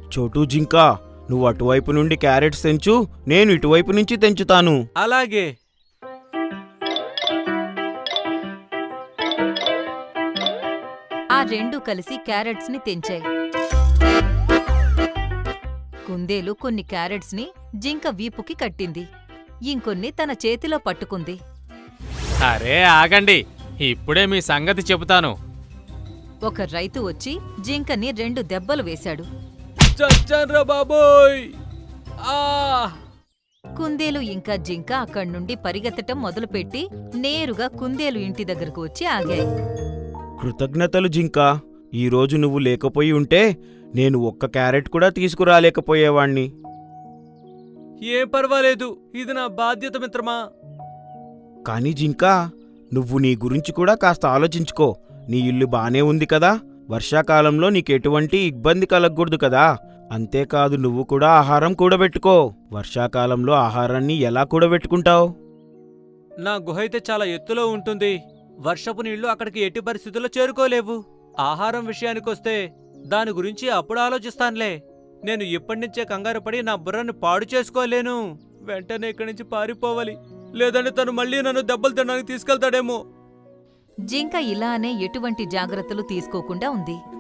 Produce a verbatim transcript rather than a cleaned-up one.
చోటు జింకా, నువ్వు అటువైపు నుండి క్యారెట్స్ తెంచు, నేను ఇటువైపు నుంచి తెంచుతాను. అలాగే. ఆ రెండు కలిసి క్యారెట్స్ ని తెంచాయి. కుందేలు కొన్ని క్యారెట్స్ ని జింక వీపుకి కట్టింది, ఇంకొన్ని తన చేతిలో పట్టుకుంది. అరే ఆగండి, ఇప్పుడే మీ సంగతి చెబుతాను. ఒక రైతు వచ్చి జింకని రెండు దెబ్బలు వేశాడు. చచ్చన్రా బాబోయ్! ఆ! కుందేలు ఇంకా జింక అక్కడ్నుండి పరిగెత్తటం మొదలుపెట్టి నేరుగా కుందేలు ఇంటి దగ్గరకు వచ్చి ఆగాయి. కృతజ్ఞతలు జింకా, ఈరోజు నువ్వు లేకపోయి ఉంటే నేను ఒక్క క్యారెట్ కూడా తీసుకురాలేకపోయేవాణ్ణి. ఏం పర్వాలేదు, ఇది నా బాధ్యత మిత్రమా. కాని జింకా, నువ్వు నీ గురించి కూడా కాస్త ఆలోచించుకో. నీ ఇల్లు బానే ఉంది కదా, వర్షాకాలంలో నీకెటువంటి ఇబ్బంది కలగకూడదు కదా. అంతేకాదు, నువ్వు కూడా ఆహారం కూడబెట్టుకో. వర్షాకాలంలో ఆహారాన్ని ఎలా కూడబెట్టుకుంటావు? నా గుహ అయితే చాలా ఎత్తులో ఉంటుంది. వర్షపు నీళ్లు అక్కడికి ఎట్టి పరిస్థితుల్లో చేరుకోలేవు. ఆహారం విషయానికొస్తే దాని గురించి అప్పుడు ఆలోచిస్తానులే. నేను ఇప్పటినుంచే కంగారు పడి నా బుర్రని పాడు చేసుకోలేను. వెంటనే ఇక్కడి నుంచి పారిపోవాలి, లేదంటే తను మళ్ళీ నన్ను దెబ్బలు తినడానికి తీసుకెళ్తాడేమో. జింక ఇలానే ఎటువంటి జాగ్రత్తలు తీసుకోకుండా ఉంది.